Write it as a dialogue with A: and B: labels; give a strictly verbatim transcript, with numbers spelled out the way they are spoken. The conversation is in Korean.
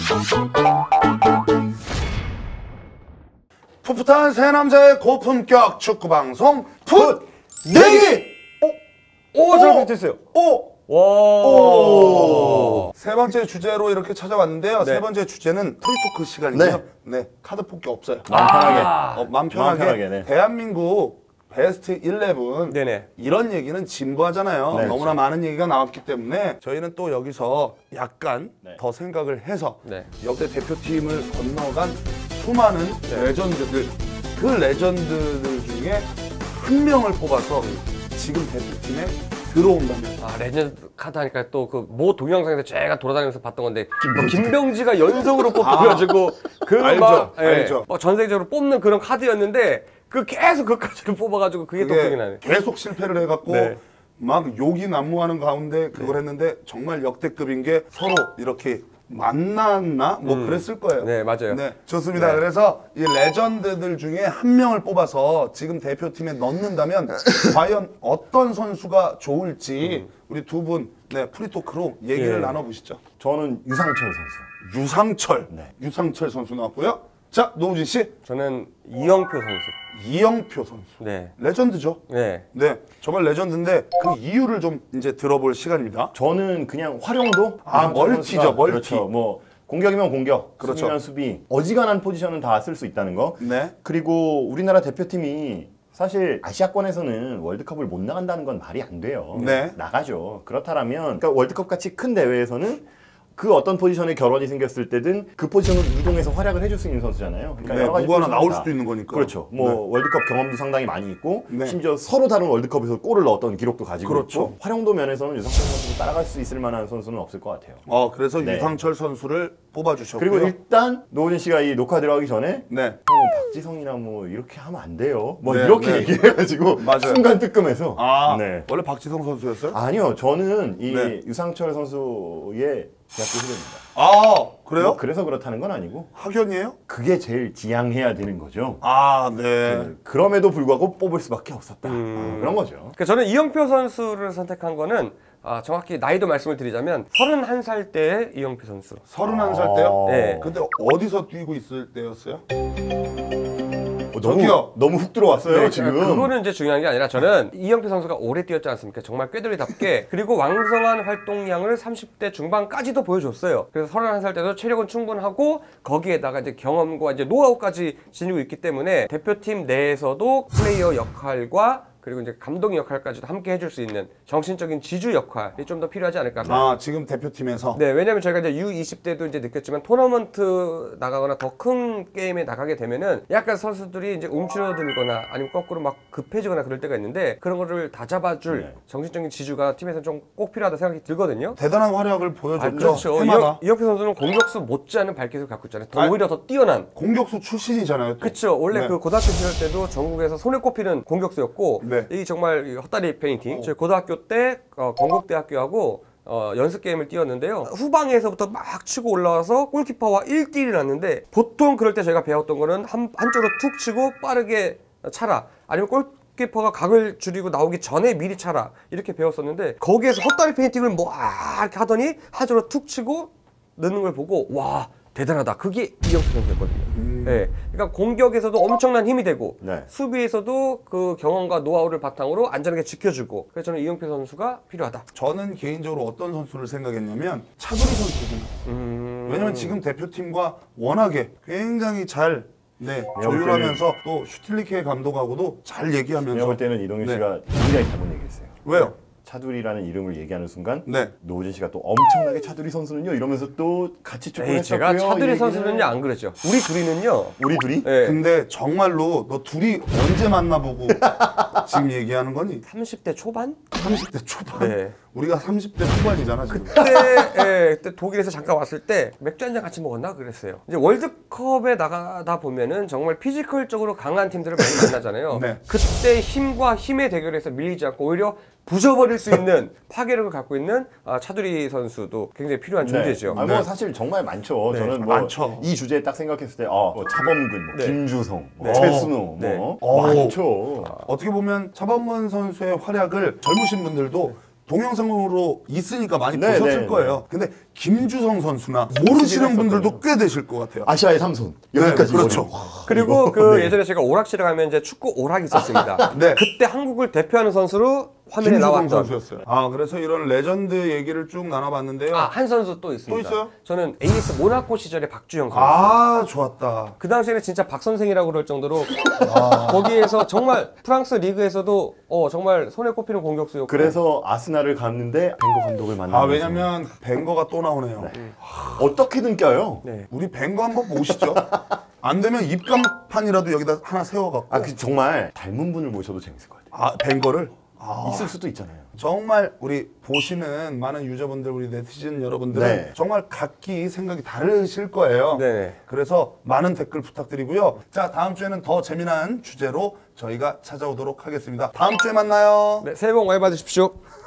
A: 풋풋한 새 남자의 고품격 축구 방송 풋 내기.
B: 오, 잘 비슷했어요.
A: 오,
B: 와.
A: 오. 세 번째 주제로 이렇게 찾아왔는데요.
B: 네.
A: 세 번째 주제는 프리토크 시간이고요.
C: 네.
A: 네, 카드 뽑기 없어요.
C: 마음 편하게.
B: 아.
A: 어, 마음 편하게.
C: 마음 편하게, 네.
A: 대한민국 베스트 일레븐.
B: 네네.
A: 이런 얘기는 진부하잖아요.
C: 네,
A: 너무나
C: 그렇죠.
A: 많은 얘기가 나왔기 때문에 저희는 또 여기서 약간
C: 네.
A: 더 생각을 해서
B: 네.
A: 역대 대표팀을 건너간 수많은 레전드들, 그 레전드들 중에 한 명을 뽑아서 지금 대표팀에 들어온다면.
B: 아, 레전드 카드 하니까 또 그 모 동영상에서 제가 돌아다니면서 봤던 건데 뭐 김병지가 연속으로 뽑혀가지고 그
A: 알죠,
B: 막 예,
A: 알죠.
B: 뭐 전세적으로 뽑는 그런 카드였는데 그 계속 그 카드를 뽑아가지고 그게 또 기억이
A: 그게
B: 나네.
A: 계속 실패를 해갖고
B: 네.
A: 막 욕이 난무하는 가운데 그걸 했는데 정말 역대급인 게 서로 이렇게 만났나? 뭐 그랬을 거예요.
B: 네, 맞아요.
A: 네, 좋습니다.
B: 네.
A: 그래서 이 레전드들 중에 한 명을 뽑아서 지금 대표팀에 넣는다면 과연 어떤 선수가 좋을지 우리 두 분 네, 프리토크로 얘기를
B: 예.
A: 나눠보시죠.
C: 저는 유상철 선수.
A: 유상철,
C: 네.
A: 유상철 선수 나왔고요. 자, 노우진 씨,
B: 저는 이영표 선수.
A: 이영표 선수.
B: 네.
A: 레전드죠.
B: 네.
A: 네, 정말 레전드인데 그 이유를 좀 이제 들어볼 시간입니다.
C: 저는 그냥 활용도.
A: 아,
C: 유상철
A: 멀티죠,
C: 선수가
A: 멀티.
C: 그렇죠. 뭐 공격이면 공격,
A: 그렇죠.
C: 수비면 수비. 어지간한 포지션은 다 쓸 수 있다는 거.
A: 네.
C: 그리고 우리나라 대표팀이 사실 아시아권에서는 월드컵을 못 나간다는 건 말이 안 돼요.
A: 네.
C: 나가죠. 그렇다면 그러니까 월드컵 같이 큰 대회에서는 그 어떤 포지션에 결혼이 생겼을 때든 그 포지션으로 이동해서 활약을 해줄 수 있는 선수잖아요. 그러니까
A: 네,
C: 여러 가지
A: 누구 하나
C: 포지션이
A: 나올
C: 다.
A: 수도 있는 거니까.
C: 그렇죠. 뭐
A: 네.
C: 월드컵 경험도 상당히 많이 있고
A: 네.
C: 심지어 서로 다른 월드컵에서 골을 넣었던 기록도 가지고
A: 그렇죠.
C: 있고 활용도 면에서는 유상철 선수를 따라갈 수 있을 만한 선수는 없을 것 같아요.
A: 어, 그래서
C: 네.
A: 유상철 선수를 뽑아주셨고요.
C: 그리고 일단 노우진 씨가 이 녹화 들어가기 전에
A: 네.
C: 형, 뭐 박지성이나 뭐 이렇게 하면 안 돼요. 뭐
A: 네,
C: 이렇게
A: 네.
C: 얘기해가지고
A: 맞아요.
C: 순간 뜨끔해서
A: 아,
C: 네.
A: 원래 박지성 선수였어요?
C: 아니요, 저는 이
A: 네.
C: 유상철 선수의 대학교 후배입니다.
A: 아, 그래요?
C: 뭐 그래서 그렇다는 건 아니고
A: 학연이에요?
C: 그게 제일 지향해야 되는 거죠.
A: 아, 네.
C: 그, 그럼에도 불구하고 뽑을 수밖에 없었다.
B: 음.
C: 어, 그런 거죠.
B: 그러니까 저는 이영표 선수를 선택한 거는 아, 정확히 나이도 말씀을 드리자면 서른한 살 때의 이영표 선수.
A: 서른한 살 때요?
B: 네.
A: 근데 어디서 뛰고 있을 때였어요?
C: 어,
A: 저기요.
C: 너무, 너무 훅 들어왔어요,
B: 네,
C: 지금.
B: 그거는 이제 중요한 게 아니라 저는 이영표 선수가 오래 뛰었지 않습니까? 정말 꾀돌이답게 그리고 왕성한 활동량을 삼십 대 중반까지도 보여줬어요. 그래서 서른한 살 때도 체력은 충분하고 거기에다가 이제 경험과 이제 노하우까지 지니고 있기 때문에 대표팀 내에서도 플레이어 역할과 그리고 이제 감독 역할까지도 함께 해줄 수 있는 정신적인 지주 역할이 좀 더 필요하지 않을까.
A: 아, 지금 대표팀에서?
B: 네, 왜냐면 저희가 이제 유 이십 때도 이제 느꼈지만 토너먼트 나가거나 더 큰 게임에 나가게 되면은 약간 선수들이 이제 움츠러들거나 아니면 거꾸로 막 급해지거나 그럴 때가 있는데 그런 거를 다 잡아줄
C: 네.
B: 정신적인 지주가 팀에서 좀 꼭 필요하다 생각이 들거든요.
A: 대단한 활약을 보여줬죠.
B: 아, 그렇죠.
A: 해마다.
B: 이영, 이영표 선수는 공격수 못지않은 발기를 갖고 있잖아요. 더
A: 아,
B: 오히려 더 뛰어난.
A: 공격수 출신이잖아요. 또.
B: 그렇죠. 원래
A: 네.
B: 그 고등학교 시절 때도 전국에서 손에 꼽히는 공격수였고
A: 네.
B: 이 정말 이 헛다리 페인팅. 저희 고등학교 때 어, 건국대학교하고 어, 연습 게임을 뛰었는데요. 후방에서부터 막 치고 올라와서 골키퍼와 일 대 일이 났는데 보통 그럴 때 저희가 배웠던 거는 한, 한쪽으로 툭 치고 빠르게 차라 아니면 골키퍼가 각을 줄이고 나오기 전에 미리 차라 이렇게 배웠었는데 거기에서 헛다리 페인팅을 뭐 아, 이렇게 하더니 한쪽으로 툭 치고 넣는 걸 보고 와 대단하다. 그게 이영표 선수였거든요.
A: 음.
B: 네. 그러니까 공격에서도 엄청난 힘이 되고
C: 네.
B: 수비에서도 그 경험과 노하우를 바탕으로 안전하게 지켜주고 그래서 저는 이영표 선수가 필요하다.
A: 저는 개인적으로 어떤 선수를 생각했냐면 차두리 선수를 생각했어요.
B: 음...
A: 왜냐면 지금 대표팀과 워낙에 굉장히 잘 네, 조율하면서 또 슈틸리케 감독하고도 잘 얘기하면서
C: 제가 볼 때는 이동현
A: 네.
C: 씨가 굉장히 잘못 얘기했어요.
A: 왜요?
C: 차두리라는 이름을 얘기하는 순간
A: 네.
C: 노우진 씨가 또 엄청나게 차두리 선수는요 이러면서 또 같이 축구를
B: 에이,
C: 했었고요.
B: 제가 차두리
C: 이
B: 선수는요 안 그랬죠. 우리 둘이는요.
C: 우리 둘이?
B: 네.
A: 근데 정말로 너 둘이 언제 만나보고 지금 얘기하는 거니?
B: 삼십 대 초반?
A: 삼십 대 초반?
B: 네.
A: 우리가 삼십 대 후반이잖아 지금.
B: 그때, 예, 그때 독일에서 잠깐 왔을 때 맥주 한잔 같이 먹었나 그랬어요. 이제 월드컵에 나가다 보면은 정말 피지컬적으로 강한 팀들을 많이 만나잖아요.
A: 네.
B: 그때 힘과 힘의 대결에서 밀리지 않고 오히려 부셔버릴 수 있는 파괴력을 갖고 있는 아, 차두리 선수도 굉장히 필요한 존재죠.
C: 네. 아, 뭐 사실 정말 많죠.
B: 네.
C: 저는 뭐
A: 많죠.
C: 이 주제에 딱 생각했을 때, 어, 뭐 차범근, 뭐
B: 네.
C: 김주성, 뭐
B: 네.
C: 최순호,
B: 네.
C: 뭐
A: 오.
C: 많죠.
A: 어떻게 보면 차범근 선수의 활약을 젊으신 분들도 동영상으로 있으니까 많이
C: 네,
A: 보셨을
C: 네,
A: 거예요. 근데 김주성 선수나 모르시는 분들도 꽤 되실 것 같아요.
C: 아시아의 삼손 여기까지
A: 네, 그렇죠.
C: 이번에.
B: 그리고
C: 이거,
B: 그
C: 네.
B: 예전에 제가 오락실에 가면 이제 축구 오락이 있었습니다.
A: 네.
B: 그때 한국을 대표하는 선수로 화면에
A: 김주성
B: 나왔던
A: 선수였어요. 아 그래서 이런 레전드 얘기를 쭉 나눠봤는데요.
B: 아, 한 선수 또 있습니다.
A: 또 있어요?
B: 저는 에이에스 모나코 시절의 박주영 선수.
A: 아 좋았다.
B: 그 당시에는 진짜 박 선생이라고 그럴 정도로 거기에서 정말 프랑스 리그에서도 어, 정말 손에 꼽히는 공격수였고
C: 그래서 아스날을 갔는데 벵거 감독을 만나서
A: 아 왜냐면 벵거가 또 나오네요.
C: 어떻게든 껴요.
B: 네.
A: 우리 벵거 한번 모시죠. 안 되면 입간판이라도 여기다 하나 세워갖고.
C: 아, 그 정말 닮은 분을 모셔도 재밌을 것 같아요.
A: 아 벵거를. 아,
C: 있을 수도 있잖아요.
A: 정말 우리 보시는 많은 유저분들, 우리 네티즌 여러분들은
C: 네.
A: 정말 각기 생각이 다르실 거예요.
B: 네.
A: 그래서 많은 댓글 부탁드리고요. 자, 다음 주에는 더 재미난 주제로 저희가 찾아오도록 하겠습니다. 다음 주에 만나요.
B: 네, 새해 복 많이 받으십시오.